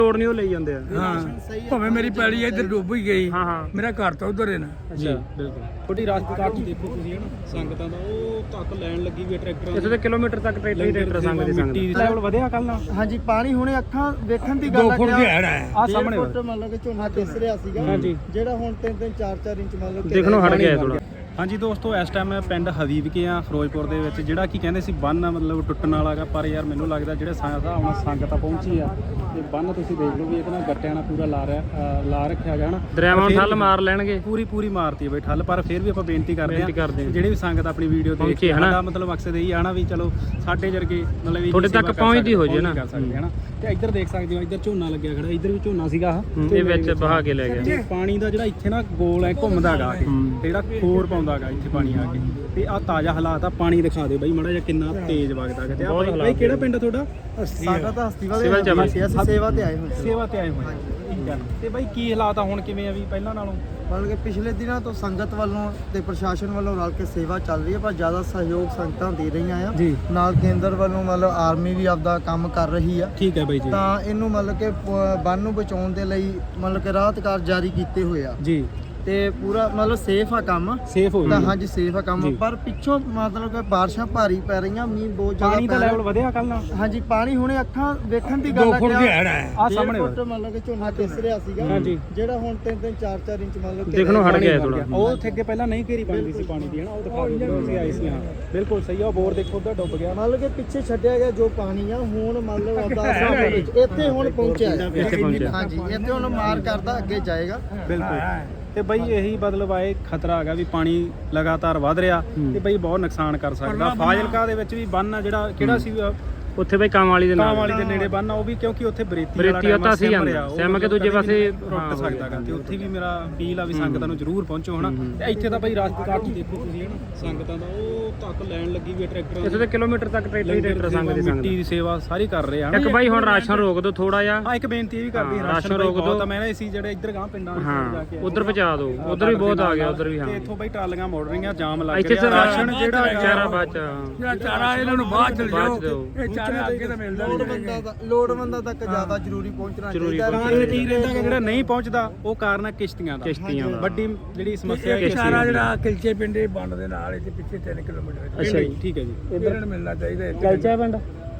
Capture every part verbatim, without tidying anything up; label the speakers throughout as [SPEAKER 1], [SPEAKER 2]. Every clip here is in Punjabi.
[SPEAKER 1] ਲੋੜ ਨਹੀਂ ਉਹ ਲਈ ਜਾਂਦੇ ਆ।
[SPEAKER 2] ਹਾਂ ਭਾਵੇਂ ਮੇਰੀ ਪੈਲੀ ਇੱਧਰ ਡੁੱਬ ਹੀ ਗਈ,
[SPEAKER 1] ਹਾਂ ਹਾਂ
[SPEAKER 2] ਮੇਰਾ ਘਰ ਤਾਂ ਉਧਰ ਹੈ ਨਾ।
[SPEAKER 1] ਅੱਛਾ ਬਿਲਕੁਲ।
[SPEAKER 3] ਛੋਟੀ ਰਾਸਤੇ ਕਾਟ ਦੇਖੋ ਤੁਸੀਂ ਹਨਾ, ਸੰਗਤਾਂ ਦਾ ਉਹ ਤੱਕ ਲੈਣ ਲੱਗੀ ਵੀ ਟਰੈਕਟਰ
[SPEAKER 1] ਇੱਥੇ ਤੇ ਕਿਲੋਮੀਟਰ ਤੱਕ ਟਰੈਕਟਰ ਹੀ ਟਰੈਕਟਰ ਸੰਗ ਦੀ ਸੰਗ
[SPEAKER 3] ਮਿੱਟੀ ਲੈਵਲ ਵਧਿਆ ਕੱਲ ਨਾਲ।
[SPEAKER 4] ਹਾਂਜੀ ਪਾਣੀ ਹੁਣੇ ਅੱਖਾਂ ਵੇਖਣ ਦੀ
[SPEAKER 2] ਦੋ
[SPEAKER 4] ਗੱਲ
[SPEAKER 2] ਫੁੱਟ ਦੀ ਹੈੜ ਹੈ
[SPEAKER 3] ਆ ਸਾਹਮਣੇ
[SPEAKER 4] ਫੁੱਟ ਮੰਨ ਲਓ ਕਿ ਝੋਨਾ ਦਿਸ ਰਿਹਾ ਸੀਗਾ,
[SPEAKER 3] ਹਾਂਜੀ।
[SPEAKER 4] ਜਿਹੜਾ ਹੁਣ ਤਿੰਨ ਤਿੰਨ ਚਾਰ ਚਾਰ ਇੰਚ ਮੰਨ ਲਓ
[SPEAKER 1] ਦੇਖਣੋਂ ਹਟ ਗਿਆ ਥੋੜਾ।
[SPEAKER 3] ਹਾਂਜੀ ਦੋਸਤੋ, ਇਸ ਟਾਈਮ ਮੈਂ ਪਿੰਡ ਹਬੀਬ ਕੇ ਆ ਫਿਰੋਜ਼ਪੁਰ ਦੇ ਵਿੱਚ, ਜਿਹੜਾ ਕੀ ਕਹਿੰਦੇ ਸੀ ਬੰਨ ਮਤਲਬ ਟੁੱਟਣ ਵਾਲਾ ਗਾ, ਪਰ ਯਾਰ ਮੈਨੂੰ ਲੱਗਦਾ ਜਿਹੜੇ ਸਾਂਸਾ ਹੁਣ ਸੰਗਤਾਂ ਪਹੁੰਚੀ ਆ ਤੇ ਬੰਨ ਤੁਸੀਂ ਦੇਖ ਲਓ ਵੀ ਇਹਦੇ ਨਾਲ ਗੱਟਿਆਂ ਨਾਲ ਪੂਰਾ ਲਾ ਰਿਹਾ ਅ, ਲਾ ਰੱਖਿਆ ਗਿਆ ਹਨਾ।
[SPEAKER 1] ਦਰਿਆਵਾਂ ਨੂੰ ਠੱਲ ਮਾਰ ਲੈਣਗੇ,
[SPEAKER 3] ਪੂਰੀ ਪੂਰੀ ਮਾਰਤੀ ਹੈ ਬਈ ਠੱਲ, ਪਰ ਫਿਰ ਵੀ ਆਪਾਂ ਬੇਨਤੀ ਕਰਦੇ
[SPEAKER 1] ਬੇਨਤੀ ਕਰਦੇ
[SPEAKER 3] ਆ
[SPEAKER 1] ਹਾਂ।
[SPEAKER 3] ਜਿਹੜੇ ਵੀ ਸੰਗਤ ਆਪਣੀ ਵੀਡੀਓ ਦੇਖ ਕੇ ਸਾਡਾ ਮਤਲਬ ਮਕਸਦ ਇਹੀ ਆ ਨਾ ਵੀ ਚਲੋ ਸਾਡੇ ਜਰਗੇ ਮਤਲਬ
[SPEAKER 1] ਤੁਹਾਡੇ ਤੱਕ ਪਹੁੰਚਦੀ ਹੋ ਜੇ ਨਾ
[SPEAKER 3] ਕਰ ਸਕਦੇ ਹਨਾ। ਤੇ ਇੱਧਰ ਦੇਖ ਸਕਦੇ ਹੋ, ਇੱਧਰ ਝੋਨਾ ਲੱਗਿਆ ਖੜਾ, ਇੱਧਰ ਵੀ ਝੋਨਾ ਸੀਗਾ ਆਹ
[SPEAKER 1] ਇਹ ਵਿੱਚ ਬਹਾ ਕੇ ਲੈ ਗਿਆ।
[SPEAKER 3] ਤੇ ਪਾਣੀ ਦਾ ਜਿਹੜਾ ਇੱਥੇ ਨਾ ਗੋਲ ਹੈ ਘੁੰਮਦਾ ਗਾ ਕੇ, ਤੇ ਜਿਹੜਾ ਖੋਰ ਪਾਉਂਦਾ ਗਾ ਇੱਥੇ ਪਾਣੀ ਆ ਕੇ, ਤੇ ਆ ਤਾਜ਼ਾ ਹਾਲਾਤ ਆ। ਪਾਣੀ ਦਿਖਾ ਦੇ ਬਾਈ ਮਾੜਾ ਜਿਹਾ ਕਿੰਨਾ ਤੇਜ਼ ਵਗਦਾ ਗਾ। ਤੇ ਆ ਬਾਈ ਕਿਹੜਾ ਪਿੰਡ ਆ ਤੁਹਾਡਾ?
[SPEAKER 4] ਸਾਡਾ ਤਾਂ ਹਸਤੀ ਵਾਲੇ
[SPEAKER 1] ਸਿਵਲ ਚ ਆ।
[SPEAKER 4] ਅਸੀਂ ਸੇਵਾ ਤੇ ਆਏ ਹੋਏ ਸੀ।
[SPEAKER 3] ਸੇਵਾ ਤੇ ਆਏ ਹੋਏ ਠੀਕ ਆ। ਤੇ ਬਾਈ ਕੀ ਹਾਲਾਤ ਆ ਹੁਣ, ਕਿਵੇਂ ਆ ਵੀ ਪਹਿਲਾਂ ਨਾਲੋਂ?
[SPEAKER 4] ਮੰਨ ਕੇ ਪਿਛਲੇ ਦਿਨਾਂ ਤੋਂ ਸੰਗਤ ਵੱਲੋਂ ਤੇ ਪ੍ਰਸ਼ਾਸਨ ਵੱਲੋਂ ਰਲ ਕੇ ਸੇਵਾ ਚੱਲ ਰਹੀ ਹੈ, ਪਰ ਜ਼ਿਆਦਾ ਸਹਿਯੋਗ ਸੰਗਤਾਂ ਦੇ ਰਹੀਆਂ ਆ।
[SPEAKER 3] ਜੀ।
[SPEAKER 4] ਨਾਲ ਕੇਂਦਰ ਵੱਲੋਂ ਮਤਲਬ ਆਰਮੀ ਵੀ ਆਪਦਾ ਕੰਮ ਕਰ ਰਹੀ ਆ।
[SPEAKER 3] ਠੀਕ ਹੈ ਬਾਈ ਜੀ।
[SPEAKER 4] ਤਾਂ ਇਹਨੂੰ ਮਤਲਬ ਕਿ ਪ- ਬੰਨ ਨੂੰ ਬਚਾਉਣ ਦੇ ਲਈ ਮਤਲਬ ਕਿ ਰਾਹਤ ਕਾਰਜ ਜਾਰੀ ਕੀਤੇ ਹੋਏ ਆ,
[SPEAKER 3] ਜੀ
[SPEAKER 4] ਤੇ ਪੂਰਾ ਮਤਲਬ ਸੇਫ ਆ ਕੰਮ।
[SPEAKER 3] ਸੇਫ ਹੋ
[SPEAKER 4] ਤਾਂ
[SPEAKER 3] ਗਿਆ।
[SPEAKER 4] ਹਾਂਜੀ ਸੇਫ ਆ ਕੰਮ,
[SPEAKER 3] ਜੀ।
[SPEAKER 4] ਪਰ ਪਿੱਛੋਂ ਮਤਲਬ ਕਿ ਬਾਰਿਸ਼ਾਂ ਭਾਰੀ ਪੈ ਰਹੀਆਂ, ਮੀਂਹ ਬਹੁਤ ਜ਼ਿਆਦਾ
[SPEAKER 3] ਪਾਣੀ ਦਾ
[SPEAKER 4] ਪੈ ਰਿਹਾ।
[SPEAKER 3] ਲੈਵਲ ਵਧਿਆ ਕੱਲ ਨਾਲ।
[SPEAKER 4] ਹਾਂਜੀ ਪਾਣੀ ਹੁਣੇ ਅੱਖਾਂ ਵੇਖਣ ਦੀ
[SPEAKER 2] ਦੋ
[SPEAKER 4] ਗੱਲ
[SPEAKER 2] ਫੁੱਟ ਦੀ ਹੈੜ ਹੈ।
[SPEAKER 3] ਆ ਸਾਹਮਣੇ
[SPEAKER 4] ਫੁੱਟ ਮਤਲਬ ਕਿ ਝੋਨਾ ਦਿਸ ਰਿਹਾ ਸੀਗਾ,
[SPEAKER 3] ਹਾਂਜੀ।
[SPEAKER 4] ਜਿਹੜਾ ਹੁਣ ਤਿੰਨ ਤਿੰਨ ਚਾਰ ਚਾਰ ਇੰਚ ਮਤਲਬ ਕਿ
[SPEAKER 1] ਦੇਖਣੋਂ ਹਟ ਗਿਆ ਥੋੜਾ।
[SPEAKER 3] ਉਹ ਉੱਥੇ ਅੱਗੇ ਪਹਿਲਾਂ ਨਹੀਂ ਘੇਰੀ ਬਣਦੀ ਸੀ ਪਾਣੀ ਦੀ ਹਨਾ, ਉਹ ਦਿਖਾ ਦਿਓ ਤੁਸੀਂ ਆਏ ਸੀ। ਹਾਂ ਬਿਲਕੁਲ ਸਹੀ ਆ, ਉਹ ਬੋਰ ਦੇਖੋ ਉੱਧਰ ਡੁੱਬ ਗਿਆ।
[SPEAKER 4] ਮਤਲਬ ਕਿ ਪਿੱਛੇ ਛੱਡਿਆ ਗਿਆ ਜੋ ਪਾਣੀ ਆ, ਹੁਣ ਮਤਲਬ ਆਪਦਾ ਹਿਸਾਬ ਦੇ ਵਿੱਚ ਇੱਥੇ ਹੁਣ ਪਹੁੰਚਿਆ ਹੈ।
[SPEAKER 1] ਇੱਥੇ ਪਹੁੰਚਿਆ।
[SPEAKER 4] ਹਾਂਜੀ ਇੱਥੇ ਹੁਣ ਮਾਰ ਕਰਦਾ ਅੱਗੇ ਜਾਏਗਾ।
[SPEAKER 3] ਬਿਲਕੁਲ। ਤੇ ਬਈ ਇਹੀ ਮਤਲਬ ਆਏ ਖਤਰਾ ਹੈਗਾ ਵੀ ਪਾਣੀ ਲਗਾਤਾਰ ਵੱਧ ਰਿਹਾ ਤੇ ਬਈ ਬਹੁਤ ਨੁਕਸਾਨ ਕਰ ਸਕਦਾ। ਫਾਜ਼ਿਲਕਾ ਦੇ ਵਿੱਚ ਵੀ ਬੰਨ ਆ ਜਿਹੜਾ ਕਿਹੜਾ ਸੀ
[SPEAKER 1] ਉੱਥੇ ਬਈ ਕੰਮ ਵਾਲੀ ਦੇ ਨਾਲ
[SPEAKER 3] ਕਾਮ ਵਾਲੀ ਦੇ ਨੇੜੇ ਬੰਨ ਆ, ਉਹ ਵੀ ਕਿਉਂਕਿ ਉੱਥੇ ਬਰੇਤੀ
[SPEAKER 1] ਬਰੇਤੀ ਉੱਤਾ ਸੀ ਜਾਂਦਾ ਸਿਮ ਕੇ ਦੂਜੇ ਪਾਸੇ
[SPEAKER 3] ਟੁੱਟ ਸਕਦਾ ਗਾ। ਤੇ ਉੱਥੇ ਵੀ ਮੇਰਾ ਅਪੀਲ ਆ ਵੀ ਸੰਗਤਾਂ ਨੂੰ ਜ਼ਰੂਰ ਪਹੁੰਚੋ ਹਨਾ। ਤੇ ਇੱਥੇ ਤਾਂ ਬਈ ਰਾਸਤੇ ਕਾਟ ਦੇਖੋ ਤੁਸੀਂ ਹਨਾ, ਸੰਗਤਾਂ ਦਾ ਉਹ ਤੱਕ ਲੈਣ ਲੱਗੀ ਵੀ ਟਰੈਕਟਰ
[SPEAKER 1] ਇੱਥੇ ਤੇ ਕਿਲੋਮੀਟਰ ਤੱਕ ਟਰੈਕਟਰ ਹੀ ਟਰੈਕਟਰ ਸੰਗ ਦੀ ਸੰਗ
[SPEAKER 3] ਮਿੱਟੀ ਦੀ ਸੇਵਾ ਸਾਰੀ ਕਰ ਰਹੇ ਆ।
[SPEAKER 1] ਇੱਕ ਬਾਈ ਹੁਣ ਰਾਸ਼ਨ ਰੋਕ ਦੋ ਥੋੜਾ ਜਿਹਾ।
[SPEAKER 3] ਹਾਂ ਇੱਕ ਬੇਨਤੀ ਇਹ ਵੀ ਕਰਦੀ
[SPEAKER 1] ਹਾਂ,
[SPEAKER 3] ਰਾਸ਼ਨ
[SPEAKER 1] ਰਾਸ਼ਨ ਰੋਕ
[SPEAKER 3] ਰੋਕ
[SPEAKER 1] ਦਿਓ।
[SPEAKER 3] ਦੋ। ਮੈਂ ਸੀ ਜਿਹੜੇ ਇੱਧਰ ਗਾਂ ਪਿੰਡਾਂ ਵਿੱਚ ਜਾ
[SPEAKER 1] ਹਾਂ
[SPEAKER 3] ਕੇ
[SPEAKER 1] ਉਧਰ ਪਹੁੰਚਾ ਦਿਓ, ਉਧਰ ਵੀ ਬਹੁਤ ਆ ਗਿਆ ਉਧਰ ਵੀ। ਹਾਂ
[SPEAKER 3] ਤੇ ਇੱਥੋਂ ਬਈ ਟਰਾਲੀਆਂ ਮੋੜ ਰਹੀਆਂ, ਜਾਮ ਲੱਗ
[SPEAKER 1] ਇੱਥੇ
[SPEAKER 3] ਰਿਹਾ।
[SPEAKER 1] ਤੇ
[SPEAKER 3] ਰਾਸ਼ਨ ਜਿਹੜਾ
[SPEAKER 1] ਚਾਰਾ ਬਾਚ
[SPEAKER 2] ਜਿਹੜਾ ਚਾਰਾ ਇਹਨਾਂ ਨੂੰ ਬਾਅਦ ਚਲ ਜਾਓ, ਇਹ ਚਾਰਾ ਅੱਗੇ ਤਾਂ ਮਿਲਦਾ ਨਹੀਂ।
[SPEAKER 4] ਲੋੜਵੰਦਾਂ ਲੋੜਵੰਦਾਂ ਤੱਕ ਜ਼ਿਆਦਾ ਜ਼ਰੂਰੀ ਪਹੁੰਚਣਾ
[SPEAKER 1] ਜ਼ਰੂਰੀ
[SPEAKER 4] ਚਾਹੀਦਾ।
[SPEAKER 3] ਕਾਰਨ ਕੀ ਰਹਿੰਦਾ ਕਿ ਜਿਹੜਾ ਨਹੀਂ ਪਹੁੰਚਦਾ ਉਹ ਕਾਰਨ ਹੈ ਕਿਸ਼ਤੀਆਂ ਦਾ।
[SPEAKER 1] ਕਿਸ਼ਤੀਆਂ ਦਾ
[SPEAKER 3] ਵੱਡੀ ਜਿਹੜੀ ਸਮੱਸਿਆ ਹੈ
[SPEAKER 2] ਚਾਰਾ ਜਿਹੜਾ ਕਿਲਚੇ ਪਿੰਡੇ ਬੰਨ ਦੇ ਨਾਲ ਇੱਥੇ ਪਿੱਛੇ ਤਿੰਨ ਕਿਲੋਮੀਟਰ
[SPEAKER 1] ਅੱਛਾ ਜੀ।
[SPEAKER 3] ਠੀਕ ਹੈ ਜੀ।
[SPEAKER 2] ਇਹਨਾਂ ਨੂੰ ਮਿਲਣਾ ਚਾਹੀਦਾ ਇੱਥੇ।
[SPEAKER 1] ਕਿਲਚੇ ਪਿੰਡ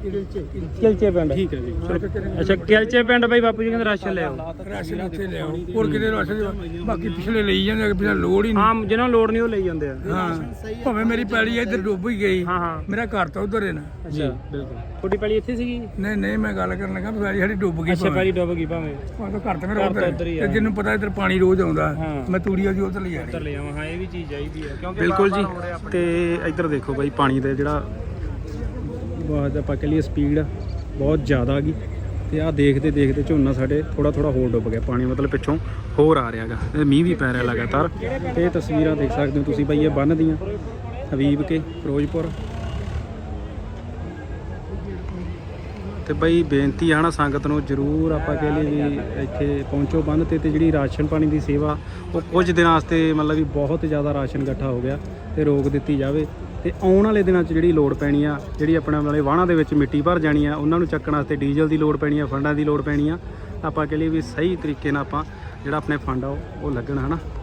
[SPEAKER 1] ਕਿਲਚੇ ਪਿੰਡ
[SPEAKER 3] ਠੀਕ ਹੈ ਜੀ।
[SPEAKER 1] ਅੱਛਾ ਕਿਲਚੇ ਪਿੰਡ ਬਾਈ ਬਾਪੂ ਜੀ ਕਹਿੰਦੇ ਰਾਸ਼ਨ ਲੈ ਆਓ।
[SPEAKER 2] ਰਾਸ਼ਨ ਇੱਥੇ ਲਿਆਓ, ਹੋਰ ਕਿਤੇ ਰਾਸ਼ਨ ਬਾਕੀ ਪਿਛਲੇ ਲਈ ਜਾਂਦੇ, ਬਿਨਾਂ ਲੋੜ ਹੀ ਨਹੀਂ।
[SPEAKER 1] ਹਾਂ ਜਿਹਨਾਂ ਨੂੰ ਲੋੜ ਨਹੀਂ ਉਹ ਲਈ ਜਾਂਦੇ ਆ।
[SPEAKER 2] ਹਾਂ ਭਾਵੇਂ ਮੇਰੀ ਪੈਲੀ ਇੱਧਰ ਡੁੱਬ ਹੀ ਗਈ,
[SPEAKER 1] ਹਾਂ ਹਾਂ
[SPEAKER 2] ਮੇਰਾ ਘਰ ਤਾਂ ਉਧਰ ਹੈ ਨਾ।
[SPEAKER 1] ਅੱਛਾ ਬਿਲਕੁਲ। ਤੁਹਾਡੀ ਪੈਲੀ ਇੱਥੇ ਸੀਗੀ?
[SPEAKER 2] ਨਹੀਂ ਨਹੀਂ ਮੈਂ ਗੱਲ ਕਰਨ ਲੱਗਾ ਪੈਲੀ ਸਾਡੀ ਡੁੱਬ ਗਈ।
[SPEAKER 1] ਅੱਛਾ ਪੈਲੀ ਡੁੱਬ ਗਈ ਭਾਵੇਂ,
[SPEAKER 2] ਉਹ ਤਾਂ ਘਰ ਤਾਂ ਮੇਰਾ
[SPEAKER 1] ਘਰ ਤਾਂ
[SPEAKER 2] ਉਧਰ
[SPEAKER 1] ਉੱਧਰ ਹੀ
[SPEAKER 2] ਹੈ,
[SPEAKER 1] ਆ।
[SPEAKER 2] ਤੇ ਜਿਹਨੂੰ ਪਤਾ ਇੱਧਰ ਪਾਣੀ ਰੋਜ਼ ਆਉਂਦਾ,
[SPEAKER 1] ਹਾਂ।
[SPEAKER 2] ਮੈਂ ਤੂੜੀਆਂ ਜੀ ਉਧਰ ਲਈ ਜਾਣੀ।
[SPEAKER 1] ਉੱਧਰ ਲੈ ਆਵਾਂ। ਹਾਂ ਇਹ ਵੀ ਚੀਜ਼ ਚਾਹੀਦੀ ਹੈ ਕਿਉਂਕਿ
[SPEAKER 3] ਬਿਲਕੁਲ ਜੀ।
[SPEAKER 1] ਬਾਰ-ਬਾਰ ਹੋ ਰਿਹਾ ਆਪਣੇ।
[SPEAKER 3] ਤੇ ਇੱਧਰ ਦੇਖੋ ਬਾਈ ਪਾਣੀ ਦੇ ਜਿਹੜਾ ਬਹੁਤ ਆਪਾਂ ਕਹ ਲਈਏ ਸਪੀਡ ਬਹੁਤ ਜ਼ਿਆਦਾ ਗਈ। ਤੇ ਆਹ ਦੇਖਦੇ ਦੇਖਦੇ ਝੋਨਾ ਸਾਡੇ ਥੋੜਾ ਥੋੜਾ ਹੋਰ ਡੁੱਬ ਗਿਆ, ਪਾਣੀ ਮਤਲਬ ਪਿੱਛੋਂ ਹੋਰ ਆ ਰਿਹਾ ਗਾ। ਮੀਂਹ ਵੀ ਪੈ ਰਿਹਾ ਲਗਾਤਾਰ। ਤੇ ਇਹ ਤਸਵੀਰਾਂ ਦੇਖ ਸਕਦੇ ਹੋ ਤੁਸੀਂ ਬਾਈ, ਇਹ ਬੰਨ ਦੀਆਂ ਹਬੀਬ ਕੇ ਫਿਰੋਜ਼ਪੁਰ। ਤੇ ਬਈ ਬੇਨਤੀ ਆ ਨਾ ਸੰਗਤ ਨੂੰ, ਜ਼ਰੂਰ ਆਪਾਂ ਕਹਿ ਲਈਏ ਵੀ ਇੱਥੇ ਪਹੁੰਚੋ ਬੰਨ ਤੇ। ਤੇ ਜਿਹੜੀ ਰਾਸ਼ਨ ਪਾਣੀ ਦੀ ਸੇਵਾ ਉਹ ਕੁਝ ਦਿਨਾਂ ਵਾਸਤੇ ਮਤਲਬ ਵੀ ਬਹੁਤ ਜ਼ਿਆਦਾ ਰਾਸ਼ਨ ਇਕੱਠਾ ਹੋ ਗਿਆ ਤੇ ਰੋਕ ਦਿੱਤੀ ਜਾਵੇ। ਤੇ ਆਉਣ ਵਾਲੇ ਦਿਨਾਂ 'ਚ ਜਿਹੜੀ ਲੋੜ ਪੈਣੀ ਆ, ਜਿਹੜੀ ਆਪਣੇ ਵਾਲੇ ਵਾਹਣਾਂ ਦੇ ਵਿੱਚ ਮਿੱਟੀ ਭਰ ਜਾਣੀ ਆ, ਉਹਨਾਂ ਨੂੰ ਚੱਕਣ ਵਾਸਤੇ ਡੀਜ਼ਲ ਦੀ ਲੋੜ ਪੈਣੀ ਆ, ਫੰਡਾਂ ਦੀ ਲੋੜ ਪੈਣੀ ਆ। ਆਪਾਂ ਕਹਿ ਲਈਏ ਵੀ ਸਹੀ ਤਰੀਕੇ ਨਾਲ ਆਪਾਂ ਜਿਹੜਾ ਆਪਣੇ ਫੰਡ ਆ ਉਹ ਲੱਗਣ ਹਨਾ।